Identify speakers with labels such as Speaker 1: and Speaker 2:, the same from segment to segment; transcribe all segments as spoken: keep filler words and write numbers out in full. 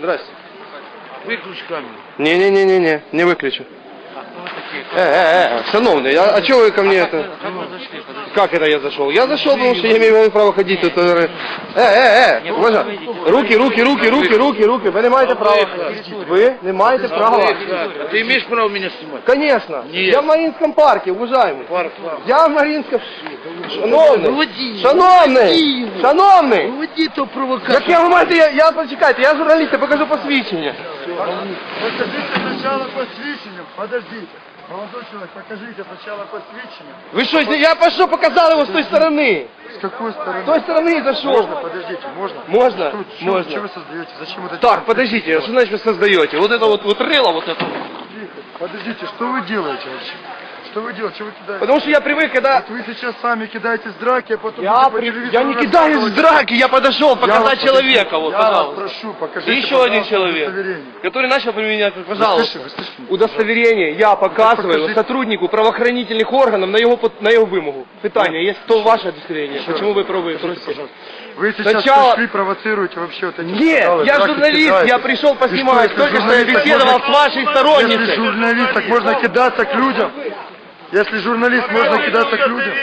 Speaker 1: Здрасте.
Speaker 2: Виключ камеру.
Speaker 1: Не-не-не-не, не выключу. Э, э, э, шановный, а, а что вы ко мне это? Как это я зашел? Я зашел, потому что я имею право ходить тут. Э, э, э, уважаемый. Руки, руки, руки, руки, руки, руки. Вы не маете права. Вы не маете права.
Speaker 2: Ты имеешь право меня снимать?
Speaker 1: Конечно.
Speaker 2: Нет.
Speaker 1: Я в Маринском парке, уважаемый.
Speaker 2: Парк.
Speaker 1: Я в Маринском... Шановний.
Speaker 2: Выводи.
Speaker 1: Шановний. Шановний.
Speaker 2: Выводи то провокацию.
Speaker 1: Як я, ви маєте, я, я, почекайте, я журналіст, я покажу посвідчення.
Speaker 3: Покажите сначала посвящение. Подождите. Молодой человек, покажите сначала посвящение.
Speaker 1: Ви що, я пошел, показал его с той стороны.
Speaker 3: С какой стороны?
Speaker 1: С той стороны зашел.
Speaker 3: Можно, подождите, можно?
Speaker 1: Можно?
Speaker 3: Что, что,
Speaker 1: Можно.
Speaker 3: Что вы создаете? Зачем это?
Speaker 1: Так, подождите, что значит вы создаете? Вот это вот, вот рыло, вот это.
Speaker 3: Тихо. Подождите, что вы делаете вообще? Что вы делаете? Что вы кидаете?
Speaker 1: Потому что я привык, когда...
Speaker 3: Вот вы сейчас сами кидаетесь в драки, а потом...
Speaker 1: Я,
Speaker 3: будете по
Speaker 1: при...
Speaker 3: телевизору
Speaker 1: я не кидаюсь в
Speaker 3: рассказывать.
Speaker 1: драки, я подошел
Speaker 3: Я
Speaker 1: показать
Speaker 3: вас-
Speaker 1: человека. Вот,
Speaker 3: Я вас
Speaker 1: пожалуйста.
Speaker 3: прошу, покажите,
Speaker 1: И еще один
Speaker 3: пожалуйста,
Speaker 1: человек,
Speaker 3: удостоверение.
Speaker 1: который начал применять,
Speaker 3: Вы
Speaker 1: пожалуйста.
Speaker 3: слышите, вы слышите?
Speaker 1: Удостоверение я показываю
Speaker 3: покажите.
Speaker 1: сотруднику правоохранительных органов на его, под- на его вымогу. Питание, есть то ваше удостоверение. Почему вы пробуете? Просите?
Speaker 3: Вы сейчас
Speaker 1: Сначала-
Speaker 3: пришли, провоцируете вообще вот эти
Speaker 1: Нет,
Speaker 3: скандалы,
Speaker 1: я
Speaker 3: драки
Speaker 1: журналист,
Speaker 3: кидаетесь.
Speaker 1: я пришел
Speaker 3: И
Speaker 1: поснимать.
Speaker 3: что, если
Speaker 1: Только что я
Speaker 3: журналист, так
Speaker 1: беседовал
Speaker 3: можно-
Speaker 1: с вашей
Speaker 3: Если
Speaker 1: сторонницей.
Speaker 3: журналист, так можно кидаться к людям. Если журналист, можно кидаться к людям.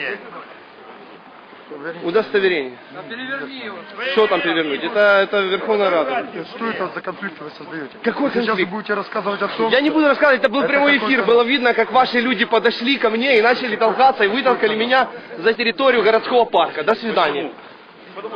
Speaker 1: Удостоверение. Что там перевернуть? Это, это Верховная Рада.
Speaker 3: Что это за конфликт вы создаете?
Speaker 1: Какой
Speaker 3: Вы сейчас вы
Speaker 1: конфликт?
Speaker 3: будете рассказывать о том,
Speaker 1: Я не буду рассказывать, это был
Speaker 3: Это
Speaker 1: прямой
Speaker 3: какой-то-
Speaker 1: эфир, было видно, как ваши люди подошли ко мне и начали толкаться и вытолкали меня за территорию городского парка. До свидания. Потому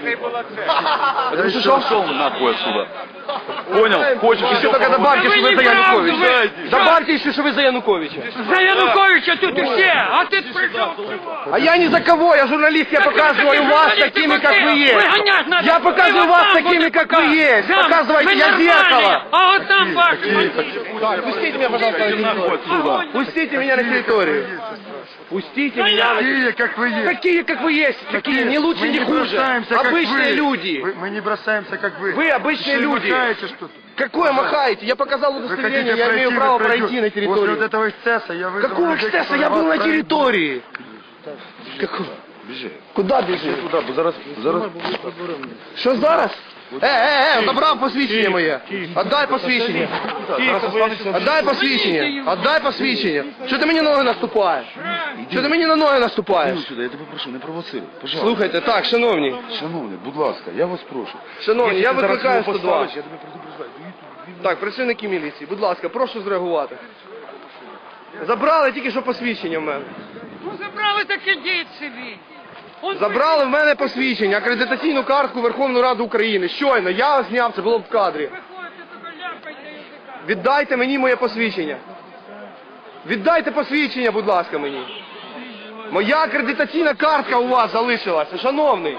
Speaker 1: что что?
Speaker 4: Пошел нахуй отсюда. Понял? Хочешь
Speaker 1: Еще только добавьте, что вы за Януковича. Добавьте еще, что вы за Януковича.
Speaker 5: За Януковича тут и все, а ты пришел.
Speaker 1: А я ни за кого, я журналист, я показываю вас такими, как вы есть.
Speaker 5: Выгонять надо.
Speaker 1: Я показываю
Speaker 5: И вот
Speaker 1: вас
Speaker 5: там
Speaker 1: такими,
Speaker 5: будет
Speaker 1: как
Speaker 5: пока.
Speaker 1: вы есть.
Speaker 5: Да,
Speaker 1: Показывайте,
Speaker 5: вы
Speaker 1: я
Speaker 5: нормальные,
Speaker 1: зеркало.
Speaker 5: А вот там ваш.
Speaker 1: Так, пустите меня, пожалуйста, на территорию. Пустите меня на территорию. Пустите меня на территорию.
Speaker 3: такие, как вы есть.
Speaker 1: Такие, как вы есть, такие, не лучше,
Speaker 3: Мы
Speaker 1: не хуже.
Speaker 3: бросаемся, как
Speaker 1: Обычные
Speaker 3: вы.
Speaker 1: люди.
Speaker 3: Вы- Мы не бросаемся, как вы.
Speaker 1: Вы обычные
Speaker 3: Еще и
Speaker 1: люди.
Speaker 3: махаете что-то.
Speaker 1: Какое махаете? Я показал
Speaker 3: Вы
Speaker 1: удостоверение,
Speaker 3: хотите
Speaker 1: я
Speaker 3: пройти,
Speaker 1: имею
Speaker 3: вы
Speaker 1: право
Speaker 3: пройдете.
Speaker 1: пройти на
Speaker 3: После вот
Speaker 1: территорию.
Speaker 3: этого эксцесса я вызову
Speaker 1: Какого
Speaker 3: людей,
Speaker 1: эксцесса?
Speaker 3: которые
Speaker 1: Я
Speaker 3: вас
Speaker 1: был на
Speaker 3: пройдут.
Speaker 1: территории. Какого? Куда бежишь?
Speaker 4: Туда, бо зараз, зараз.
Speaker 1: Що зараз? Е, е, е, забрав посвідчення моє. Отдай посвідчення. Отдай посвідчення. Отдай посвідчення. Що ти мені на ноги наступаєш? Що ти мені на ноги наступаєш?
Speaker 4: Сюди, я тебе прошу, не провоцируй. Пожалуйста.
Speaker 1: Слухайте, так, шановні.
Speaker 4: Шановний, будь ласка, я вас прошу.
Speaker 1: Шановні, я викликаю сто два.
Speaker 4: Я тебе предупреждаю.
Speaker 1: Так, працівники міліції, будь ласка, прошу зреагувати. Забрали тільки що посвідчення в мене.
Speaker 5: Ну забрали, так ідіть собі. Он
Speaker 1: Забрали в мене посвідчення, акредитаційну картку Верховної Ради України. Щойно, я зняв, це було б в кадрі.
Speaker 5: приходите, тільки ляпайте язика.
Speaker 1: Віддайте мені моє посвідчення. Віддайте посвідчення, будь ласка, мені. Моя акредитаційна картка у вас залишилася, шановний.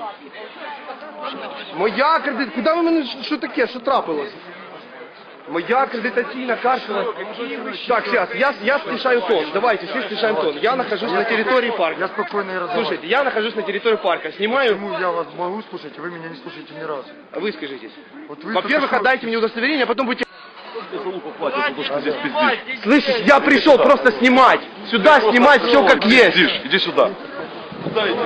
Speaker 1: Моя акредитаційна... Куди ви мене... Що таке? Що трапилось? Моя акредитаційна картка... Так, сейчас, я, я снижаю тон. Давайте, все снижаем тон. Я нахожусь на территории парка.
Speaker 3: Я спокойно и разговариваю.
Speaker 1: Слушайте, я нахожусь на территории парка. Снимаю...
Speaker 3: Почему я вас могу слушать, а вы меня не слушаете ни разу?
Speaker 1: Вы скажитесь.
Speaker 3: Вот вы
Speaker 1: Во-первых,
Speaker 3: только что-
Speaker 1: отдайте мне удостоверение, а потом будете...
Speaker 4: Залупа платит, потому что здесь пиздишь.
Speaker 1: Слышишь, я пришел просто снимать. Сюда снимать все как есть.
Speaker 4: Пиздишь, иди сюда. Сюда иди.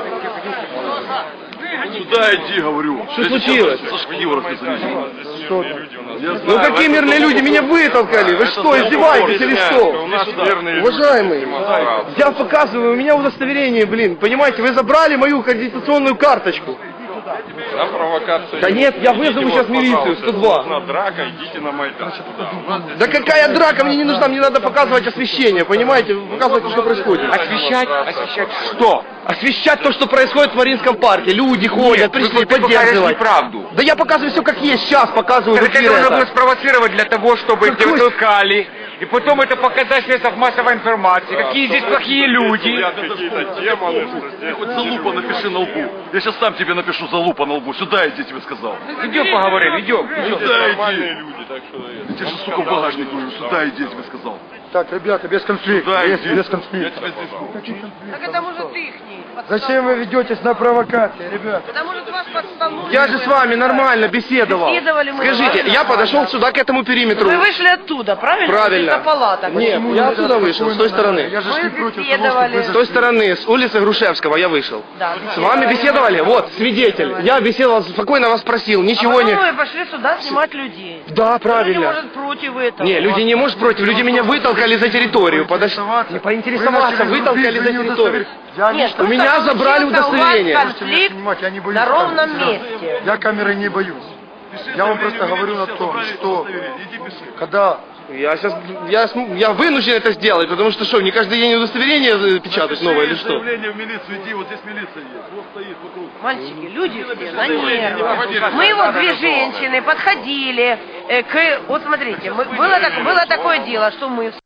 Speaker 4: Сюда иди, говорю.
Speaker 1: Что случилось?
Speaker 4: Сашка Егоровка завезли.
Speaker 1: Ну какие мирные люди, меня вытолкали. Вы что, издеваетесь или что? Уважаемый, я показываю, у меня удостоверение, блин, понимаете, вы забрали мою аккредитационную карточку.
Speaker 6: На провокацию.
Speaker 1: Да нет, я вызову
Speaker 6: Идите,
Speaker 1: сейчас
Speaker 6: вот,
Speaker 1: милицию,
Speaker 6: пожалуйста,
Speaker 1: сто два.
Speaker 6: нужна драка, идите на Майдан.
Speaker 1: Да какая драка, мне не нужна, мне надо показывать освещение, понимаете, показывать, что происходит.
Speaker 2: Освещать? Освещать что?
Speaker 1: Освещать то, что происходит в Маринском парке. Люди ходят, пришли
Speaker 2: Ты покажешь
Speaker 1: поддерживать.
Speaker 2: неправду.
Speaker 1: Да я показываю все как есть, сейчас показываю в
Speaker 2: Это
Speaker 1: эфире
Speaker 2: нужно было
Speaker 1: это.
Speaker 2: спровоцировать для того, чтобы
Speaker 1: Какой-
Speaker 2: тебя толкали. И потом это показать в средствах массовой информации. Какие здесь плохие люди.
Speaker 6: Какие-то демоны, что
Speaker 4: Ты
Speaker 6: здесь.
Speaker 4: хоть залупа напиши на лбу. Я сейчас сам тебе напишу залупа на лбу. Сюда иди, тебе сказал.
Speaker 2: Идем поговорим, идем.
Speaker 4: Сюда
Speaker 6: Нормальные
Speaker 4: иди.
Speaker 6: люди, так что...
Speaker 4: Я тебе же, сука, в багажник говорю. Сюда иди, я тебе сказал.
Speaker 3: Так, ребята, без конфликта.
Speaker 4: Сюда
Speaker 3: Без,
Speaker 4: иди.
Speaker 3: без
Speaker 4: Я
Speaker 3: конфликта.
Speaker 4: тебя здесь жду.
Speaker 5: Так это может их не
Speaker 3: Зачем вы ведетесь на провокации, ребят?
Speaker 5: Потому что вас подставнули.
Speaker 1: Я же с вами нормально беседовал.
Speaker 5: Беседовали мы
Speaker 1: Скажите,
Speaker 5: с вами
Speaker 1: я подошел сюда, к этому периметру.
Speaker 5: Вы вышли оттуда, правильно?
Speaker 1: Правильно.
Speaker 5: Это палата.
Speaker 1: Нет,
Speaker 3: Почему
Speaker 1: я
Speaker 3: нельзя
Speaker 1: отсюда вышел,
Speaker 3: спокойно
Speaker 1: с той стороны.
Speaker 3: Я же ж
Speaker 5: Вы
Speaker 3: не против того,
Speaker 5: беседовали.
Speaker 3: чтобы вы
Speaker 1: С той стороны, с улицы Грушевского я вышел.
Speaker 5: Да,
Speaker 1: С вами беседовали? Вот, свидетель. Я беседовал, спокойно вас спросил,
Speaker 5: А
Speaker 1: ничего
Speaker 5: потом
Speaker 1: не...
Speaker 5: вы пошли сюда снимать людей.
Speaker 1: Да,
Speaker 5: Люди,
Speaker 1: правильно.
Speaker 5: может, против этого.
Speaker 1: Не, люди не может против, люди меня вытолкали за территорию. Подожди. Не поинтересоваться, вытолкали за территорию.
Speaker 3: Я
Speaker 5: Нет,
Speaker 3: лично-
Speaker 1: У меня
Speaker 5: просто
Speaker 1: забрали
Speaker 5: случился у вас
Speaker 1: удостоверение.
Speaker 3: Можете меня
Speaker 5: конфликт
Speaker 3: снимать, я не боюсь
Speaker 5: на ровном
Speaker 3: камеры.
Speaker 5: месте.
Speaker 3: Я камеры не боюсь. Я вам просто говорю о том, что когда
Speaker 1: Я сейчас, я, см- я вынужден это сделать, потому что что, не каждый день удостоверение э, печатать новое или что?
Speaker 4: Заявление в милицию, иди, вот здесь милиция есть. Вот стоит вокруг.
Speaker 5: Мальчики, люди все на нервах. Мы вот две женщины подходили э, к... Вот смотрите, мы- было, так- было такое дело, что мы